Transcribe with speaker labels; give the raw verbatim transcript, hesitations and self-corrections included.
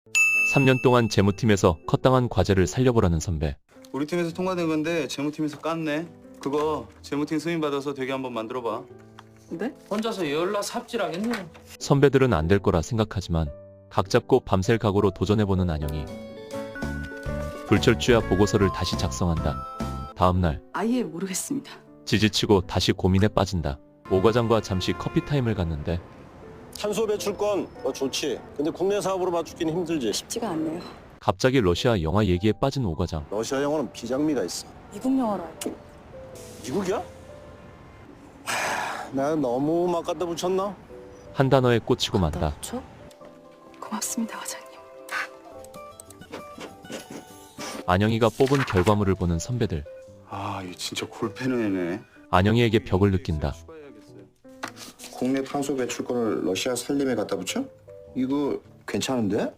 Speaker 1: 삼 년 동안 재무팀에서 컷당한 과제를 살려보라는 선배.
Speaker 2: 우리 팀에서 통과된 건데 재무팀에서 깠네. 그거 재무팀 승인 받아서 되게 한번 만들어봐.
Speaker 3: 네?
Speaker 4: 혼자서 열나 삽질하겠네.
Speaker 1: 선배들은 안 될 거라 생각하지만 각 잡고 밤샐 각오로 도전해보는 안영이. 불철주야 보고서를 다시 작성한다. 다음날
Speaker 3: 아예 모르겠습니다.
Speaker 1: 지지치고 다시 고민에 빠진다. 오 과장과 잠시 커피 타임을 갖는데
Speaker 5: 탄소 배출권 어, 좋지. 근데 국내 사업으로 맞추기는 힘들지.
Speaker 3: 쉽지가 않네요.
Speaker 1: 갑자기 러시아 영화 얘기에 빠진 오 과장.
Speaker 5: 러시아 영어는 비장미가 있어.
Speaker 3: 미국 영화로 알고.
Speaker 5: 미국이야? 하, 나 너무 막 갖다 붙였나?
Speaker 1: 한 단어에 꽂히고 만다.
Speaker 3: 저? 고맙습니다, 과장님.
Speaker 1: 안영이가 뽑은 결과물을 보는 선배들.
Speaker 2: 아, 얘 진짜 골 패는 애네.
Speaker 1: 안영이에게 벽을 느낀다.
Speaker 6: 국내 탄소 배출권을 러시아 산림에 갖다 붙여? 이거 괜찮은데?